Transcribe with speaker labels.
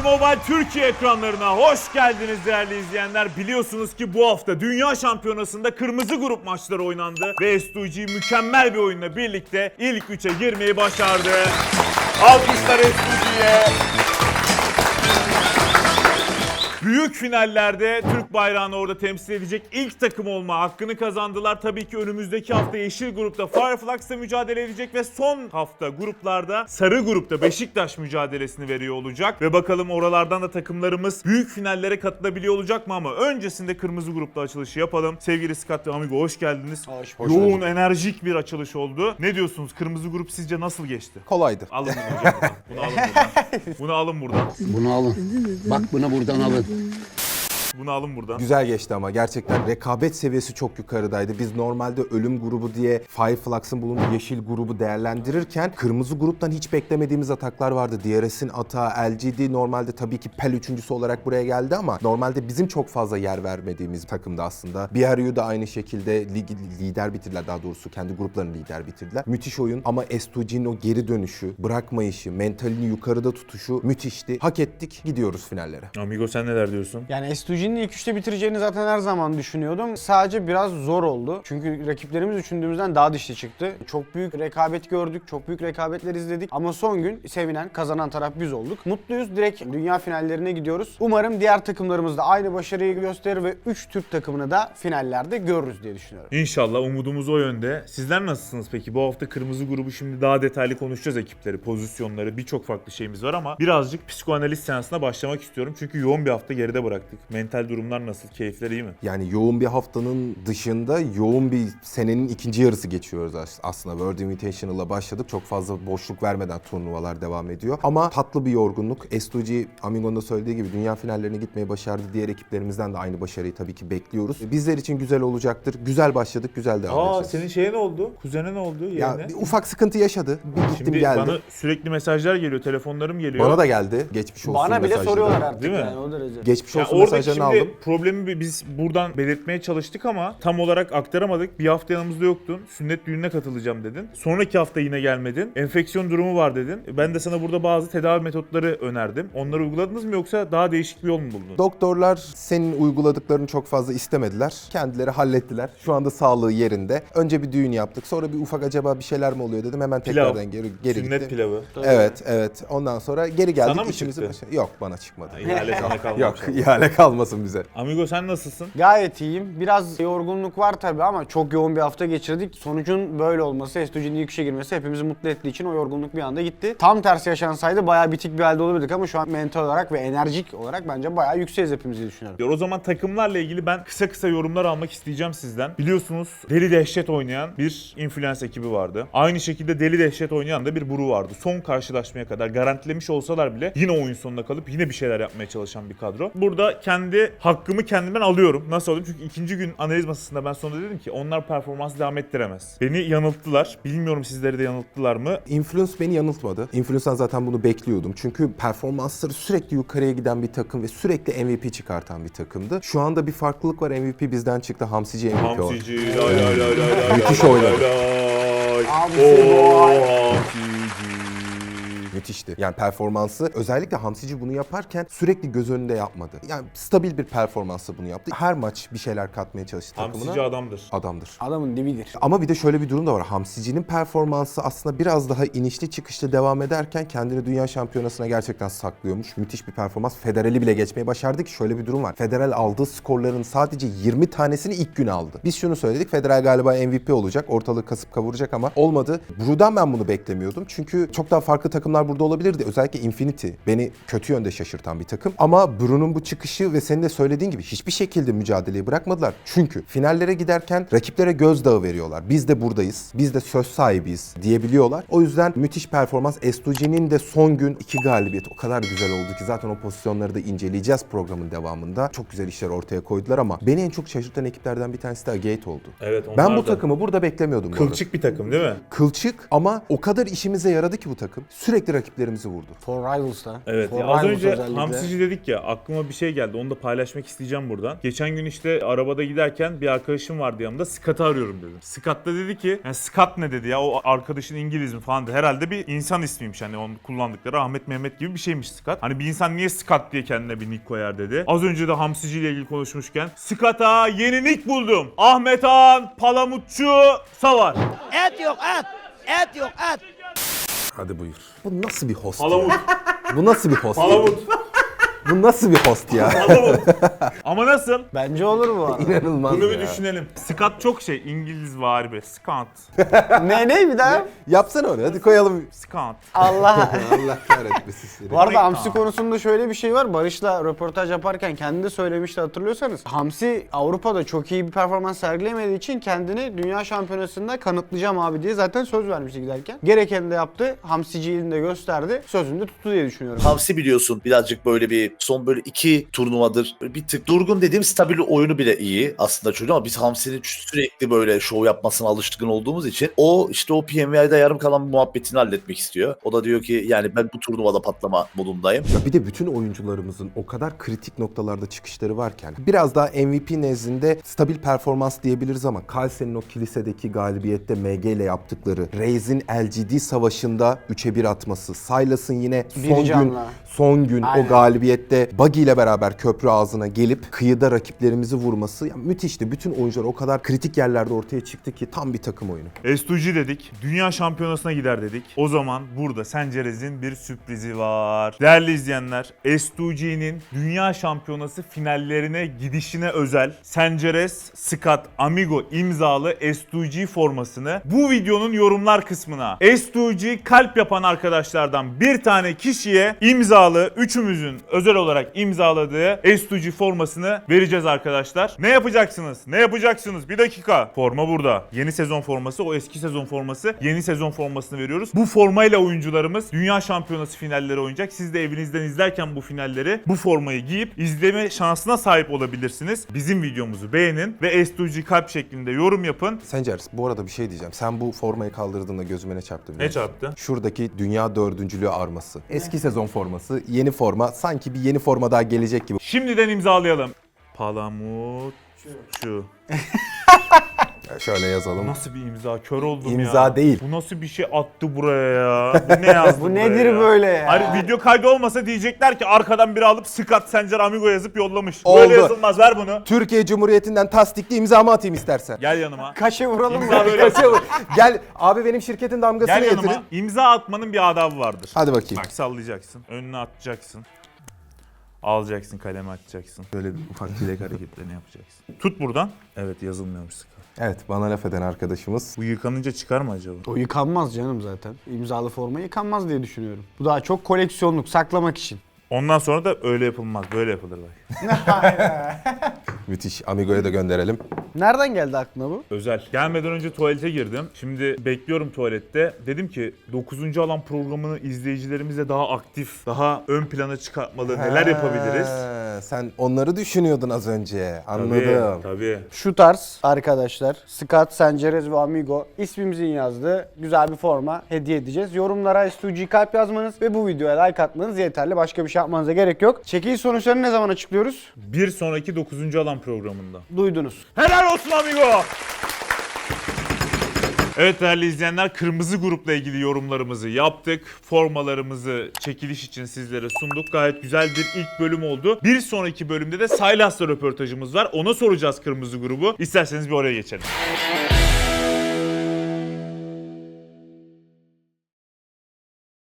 Speaker 1: Mobile Türkiye ekranlarına hoş geldiniz değerli izleyenler. Biliyorsunuz ki bu hafta Dünya Şampiyonası'nda kırmızı grup maçları oynandı ve S2G mükemmel bir oyunla birlikte ilk 3'e girmeyi başardı. Alkışlar S2G'ye. Büyük finallerde Türk bayrağını orada temsil edecek ilk takım olma hakkını kazandılar. Tabii ki önümüzdeki hafta yeşil grupta Fireflux'la mücadele edecek ve son hafta gruplarda sarı grupta Beşiktaş mücadelesini veriyor olacak. Ve bakalım oralardan da takımlarımız büyük finallere katılabiliyor olacak mı, ama öncesinde kırmızı grupta açılışı yapalım. Sevgili Scott ve Amigo hoş geldiniz.
Speaker 2: Hoş
Speaker 1: Yoğun,
Speaker 2: bulduk.
Speaker 1: enerjik bir açılış oldu. Ne diyorsunuz? Kırmızı grup sizce nasıl geçti?
Speaker 2: Kolaydı.
Speaker 1: Alın bunu hocam buradan. Bunu alın buradan. Bunu alın buradan.
Speaker 3: Bunu alın. Bak bunu buradan alın.
Speaker 1: Bunu alın buradan.
Speaker 2: Güzel geçti ama gerçekten rekabet seviyesi çok yukarıdaydı. Biz normalde ölüm grubu diye Fireflux'ın bulunduğu yeşil grubu değerlendirirken kırmızı gruptan hiç beklemediğimiz ataklar vardı. DRS'in atağı, LGD normalde tabii ki PEL üçüncüsü olarak buraya geldi ama normalde bizim çok fazla yer vermediğimiz takımda aslında. BRU da aynı şekilde ligi lider bitirdiler, daha doğrusu kendi gruplarını lider bitirdiler. Müthiş oyun ama S2G'nin o geri dönüşü, bırakmayışı, mentalini yukarıda tutuşu müthişti. Hak ettik, gidiyoruz finallere.
Speaker 1: Amigo sen neler diyorsun?
Speaker 4: Yani S2G'nin ilk üçte bitireceğini zaten her zaman düşünüyordum. Sadece biraz zor oldu. Çünkü rakiplerimiz düşündüğümüzden daha dişli çıktı. Çok büyük rekabet gördük, çok büyük rekabetler izledik. Ama son gün sevinen, kazanan taraf biz olduk. Mutluyuz. Direkt dünya finallerine gidiyoruz. Umarım diğer takımlarımız da aynı başarıyı gösterir ve 3 Türk takımını da finallerde görürüz diye düşünüyorum.
Speaker 1: İnşallah, umudumuz o yönde. Sizler nasılsınız peki? Bu hafta kırmızı grubu şimdi daha detaylı konuşacağız, ekipleri, pozisyonları, birçok farklı şeyimiz var ama birazcık psikoanaliz seansına başlamak istiyorum. Çünkü yoğun bir hafta geride bıraktık. Mental durumlar nasıl? Keyifler iyi mi?
Speaker 2: Yani yoğun bir haftanın dışında yoğun bir senenin ikinci yarısı geçiyoruz aslında. World Invitational'la başladık. Çok fazla boşluk vermeden turnuvalar devam ediyor. Ama tatlı bir yorgunluk. S2G, Amigo'nun da söylediği gibi dünya finallerine gitmeyi başardı. Diğer ekiplerimizden de aynı başarıyı tabii ki bekliyoruz. Bizler için güzel olacaktır. Güzel başladık, güzel devam edeceğiz.
Speaker 1: Senin şeye ne oldu? Kuzene ne oldu?
Speaker 2: Ya
Speaker 1: Yerine?
Speaker 2: bir ufak sıkıntı yaşadı. Bir gittim
Speaker 1: Şimdi
Speaker 2: geldim.
Speaker 1: bana sürekli mesajlar geliyor, telefonlarım geliyor.
Speaker 2: Bana da geldi. Geçmiş olsun
Speaker 4: Bana bile
Speaker 2: mesajları.
Speaker 4: soruyorlar artık
Speaker 1: Değil mi?
Speaker 4: yani o derece.
Speaker 2: Geçmiş
Speaker 1: Ya
Speaker 2: olsun
Speaker 1: oradaki
Speaker 2: mesajlarını
Speaker 1: şimdi
Speaker 2: aldım.
Speaker 1: problemi biz buradan belirtmeye çalıştık ama tam olarak aktaramadık. Bir hafta yanımızda yoktun. Sünnet düğününe katılacağım dedin. Sonraki hafta yine gelmedin. Enfeksiyon durumu var dedin. Ben de sana burada bazı tedavi metotları önerdim. Onları uyguladınız mı yoksa daha değişik bir yol mu buldun?
Speaker 2: Doktorlar senin uyguladıklarını çok fazla istemediler. Kendileri hallettiler. Şu anda sağlığı yerinde. Önce bir düğün yaptık. Sonra bir ufak acaba bir şeyler mi oluyor dedim. Hemen
Speaker 1: Pilav.
Speaker 2: tekrardan geri
Speaker 1: Sünnet
Speaker 2: gittim.
Speaker 1: pilavı.
Speaker 2: Evet. Ondan sonra geri geldik.
Speaker 1: Sana mı
Speaker 2: İşimizi
Speaker 1: çıktı?
Speaker 2: Yok, bana çıkmadı.
Speaker 1: İhale sana kalmamış.
Speaker 2: Yok, ihale kalmasın bize.
Speaker 1: Amigo sen nasılsın?
Speaker 4: Gayet iyiyim. Biraz yorgunluk var tabii ama çok yoğun bir hafta geçirdik. Sonucun böyle olması, S2G'nin ilk üçe girmesi hepimizi mutlu ettiği için o yorgunluk bir anda gitti. Tam tersi yaşansaydı bayağı bitik bir halde olabilirdik ama şu an mental olarak ve enerjik olarak bence bayağı yükseğiz hepimiz diye düşünüyorum.
Speaker 1: O zaman takımlarla ilgili ben kısa yorumlar almak isteyeceğim sizden. Biliyorsunuz Deli Dehşet oynayan bir influence ekibi vardı. Aynı şekilde Deli Dehşet oynayan da bir Buru vardı. Son karşılaşmaya kadar garantilemiş olsalar bile yine oyun sonuna kalıp yine bir şeyler yapmaya çalışan bir kadro. Burada kendi hakkımı kendimden alıyorum. Nasıl alayım? Çünkü ikinci gün analiz masasında ben sonunda dedim ki onlar performansı devam ettiremez. Beni yanılttılar. Bilmiyorum sizleri de yanılttılar mı?
Speaker 2: Influence beni yanıltmadı. Influence'dan zaten bunu bekliyordum. Çünkü performansları sürekli yukarıya giden bir takım ve sürekli MVP çıkartan bir takımdı. Şu anda bir farklılık var. MVP bizden çıktı. Hamsici MVP oldu.
Speaker 1: Hamsici, lay lay lay lay.
Speaker 2: Müthiş oynadı.
Speaker 4: Hamsi boy.
Speaker 1: Hamsici.
Speaker 2: Müthişti. Yani performansı, özellikle Hamsici bunu yaparken sürekli göz önünde yapmadı. Yani stabil bir performansla bunu yaptı. Her maç bir şeyler katmaya çalıştı takımına.
Speaker 1: Hamsici adamdır.
Speaker 2: Adamdır.
Speaker 4: Adamın dibidir.
Speaker 2: Ama bir de şöyle bir durum da var. Hamsici'nin performansı aslında biraz daha inişli çıkışlı devam ederken kendini dünya şampiyonasına gerçekten saklıyormuş. Müthiş bir performans. Federal'i bile geçmeyi başardı ki şöyle bir durum var. Federal aldığı skorların sadece 20 tanesini ilk gün aldı. Biz şunu söyledik. Federal galiba MVP olacak. Ortalığı kasıp kavuracak ama olmadı. Bru'dan ben bunu beklemiyordum. Çünkü çok daha farklı takımlar burada olabilirdi. Özellikle Infinity beni kötü yönde şaşırtan bir takım. Ama Bru'nun bu çıkışı ve senin de söylediğin gibi hiçbir şekilde mücadeleyi bırakmadılar. Çünkü finallere giderken rakiplere gözdağı veriyorlar. Biz de buradayız. Biz de söz sahibiyiz diyebiliyorlar. O yüzden müthiş performans. S2G'nin de son gün 2 galibiyet o kadar güzel oldu ki zaten o pozisyonları da inceleyeceğiz programın devamında. Çok güzel işler ortaya koydular ama beni en çok şaşırtan ekiplerden bir tanesi de Agate oldu.
Speaker 1: Evet, onlar
Speaker 2: Ben bu
Speaker 1: da
Speaker 2: takımı burada beklemiyordum bu arada.
Speaker 1: kılçık bir takım değil mi?
Speaker 2: Kılçık ama o kadar işimize yaradı ki bu takım. Sürekli rakiplerimizi vurdu.
Speaker 4: For Rivals'ta.
Speaker 1: Evet
Speaker 4: For
Speaker 1: ya az
Speaker 4: Rivals
Speaker 1: önce
Speaker 4: özellikle.
Speaker 1: hamsici dedik ya, aklıma bir şey geldi, onu da paylaşmak isteyeceğim buradan. Geçen gün işte arabada giderken bir arkadaşım vardı yanımda, Scott'ı arıyorum dedim. Scott da dedi ki, yani Scott ne dedi ya, o arkadaşın İngiliz mi falan dedi. Herhalde bir insan ismiymiş, hani onu kullandıkları Ahmet Mehmet gibi bir şeymiş Scott. Hani bir insan niye Scott diye kendine bir nick koyar dedi. Az önce de hamsici ile ilgili konuşmuşken Scott'a yeni nick buldum. Ahmet Han Palamutçu Savar.
Speaker 5: Et yok et. Et yok et.
Speaker 2: Hadi buyur. Bu nasıl bir host
Speaker 1: Palamut.
Speaker 2: ya? Bu nasıl bir host?
Speaker 1: Palamut.
Speaker 2: Bu nasıl bir host ya?
Speaker 1: Palamut. Ama nasıl?
Speaker 4: Bence olur bu.
Speaker 2: İnanılmaz
Speaker 1: Bunu
Speaker 2: ya.
Speaker 1: bir düşünelim. Scott çok şey, İngiliz vari be. Scott.
Speaker 4: ne bir daha?
Speaker 2: Yapsana onu, hadi koyalım.
Speaker 1: Scott.
Speaker 4: Allah.
Speaker 2: Allah kahretmesin seni.
Speaker 4: Bu arada hamsi konusunda şöyle bir şey var. Barış'la röportaj yaparken kendi de söylemişti, hatırlıyorsanız. Hamsi Avrupa'da çok iyi bir performans sergilemediği için kendini dünya şampiyonasında kanıtlayacağım abi diye zaten söz vermişti giderken. Gerekeni de yaptı. Hamsiciliğini de gösterdi. Sözünü de tuttu diye düşünüyorum.
Speaker 6: Hamsi biliyorsun birazcık böyle bir son böyle 2 turnuvadır böyle bir tık durgun dediğim stabil oyunu bile iyi aslında çocuğun, ama biz Hamsi'nin sürekli böyle şov yapmasına alışkın olduğumuz için o işte o PMV'de yarım kalan muhabbetini halletmek istiyor. O da diyor ki yani ben bu turnuvada patlama modundayım.
Speaker 2: Ya bir de bütün oyuncularımızın o kadar kritik noktalarda çıkışları varken biraz daha MVP nezdinde stabil performans diyebiliriz ama Kalsen'in o kilisedeki galibiyette MG ile yaptıkları, Reis'in LGD savaşında 3'e 1 atması, Silas'ın yine son gün
Speaker 4: Aynen.
Speaker 2: o galibiyette Buggy ile beraber köprü ağzına gelip kıyıda rakiplerimizi vurması ya müthişti. Bütün oyuncular o kadar kritik yerlerde ortaya çıktı ki tam bir takım oyunu.
Speaker 1: S2G dedik. Dünya şampiyonasına gider dedik. O zaman burada Sencerez'in bir sürprizi var. Değerli izleyenler, S2G'nin dünya şampiyonası finallerine gidişine özel Sencerez Scott Amigo imzalı S2G formasını bu videonun yorumlar kısmına S2G kalp yapan arkadaşlardan bir tane kişiye imzalı, üçümüzün özel olarak imzaladığı S2G formasını vereceğiz arkadaşlar. Ne yapacaksınız? Ne yapacaksınız? Bir dakika. Forma burada. Yeni sezon forması, o eski sezon forması. Yeni sezon formasını veriyoruz. Bu formayla oyuncularımız Dünya Şampiyonası finalleri oynayacak. Siz de evinizden izlerken bu finalleri bu formayı giyip izleme şansına sahip olabilirsiniz. Bizim videomuzu beğenin ve S2G kalp şeklinde yorum yapın.
Speaker 2: Sencer, bu arada bir şey diyeceğim. Sen bu formayı kaldırdığında gözüme ne çarptı biliyor
Speaker 1: Ne
Speaker 2: musun?
Speaker 1: çarptı?
Speaker 2: Şuradaki dünya dördüncülüğü arması. Eski sezon forması, yeni forma. Sanki bir yeni forma daha gelecek gibi.
Speaker 1: Şimdiden imzalayalım. Palamut şu.
Speaker 2: Şöyle yazalım.
Speaker 1: Nasıl bir imza? Kör oldum ya.
Speaker 2: İmza değil.
Speaker 1: Bu nasıl bir şey attı buraya ya? Bu ne yazdı
Speaker 4: Bu
Speaker 1: buraya
Speaker 4: nedir
Speaker 1: ya?
Speaker 4: böyle ya?
Speaker 1: Hani video kaydı olmasa diyecekler ki arkadan biri alıp Scott Sencer Amigo yazıp yollamış.
Speaker 2: Oldu.
Speaker 1: Böyle yazılmaz, ver bunu.
Speaker 2: Türkiye Cumhuriyeti'nden tasdikli imzamı atayım istersen.
Speaker 1: Gel yanıma.
Speaker 4: Kaşe vuralım
Speaker 1: İmza
Speaker 4: mı?
Speaker 1: böyle.
Speaker 2: Gel abi, benim şirketin damgasını
Speaker 1: Gel
Speaker 2: getirin.
Speaker 1: yanıma. İmza atmanın bir adabı vardır.
Speaker 2: Hadi bakayım.
Speaker 1: Bak sallayacaksın. Önüne atacaksın. Alacaksın, kalemi atacaksın. Böyle bir ufak dilek hareketlerini yapacaksın. Tut buradan. Evet, yazılmıyormuş Scott.
Speaker 2: Evet, bana laf eden arkadaşımız.
Speaker 1: Bu yıkanınca çıkar mı acaba?
Speaker 4: O yıkanmaz canım zaten. İmzalı forma yıkanmaz diye düşünüyorum. Bu daha çok koleksiyonluk, saklamak için.
Speaker 1: Ondan sonra da öyle yapılmaz. Böyle yapılır bak.
Speaker 2: Müthiş. Amigo'ya da gönderelim.
Speaker 4: Nereden geldi aklına bu?
Speaker 1: Özel. Gelmeden önce tuvalete girdim. Şimdi bekliyorum tuvalette. Dedim ki 9. alan programını izleyicilerimize daha aktif, daha ön plana çıkartmalı neler yapabiliriz?
Speaker 2: Sen onları düşünüyordun az önce. Anladım.
Speaker 1: Tabii.
Speaker 4: Şu tarz arkadaşlar, Scott, Sencerez ve Amigo ismimizin yazdığı güzel bir forma hediye edeceğiz. Yorumlara S2G kalp yazmanız ve bu videoya like atmanız yeterli. Başka bir şey yapmanıza gerek yok. Çekiliş sonuçlarını ne zaman açıklıyoruz?
Speaker 1: Bir sonraki 9. alan programında.
Speaker 4: Duydunuz.
Speaker 1: Helal olsun amigo! Evet değerli izleyenler, kırmızı grupla ilgili yorumlarımızı yaptık. Formalarımızı çekiliş için sizlere sunduk. Gayet güzel bir ilk bölüm oldu. Bir sonraki bölümde de Silas'la röportajımız var. Ona soracağız kırmızı grubu. İsterseniz bir oraya geçelim.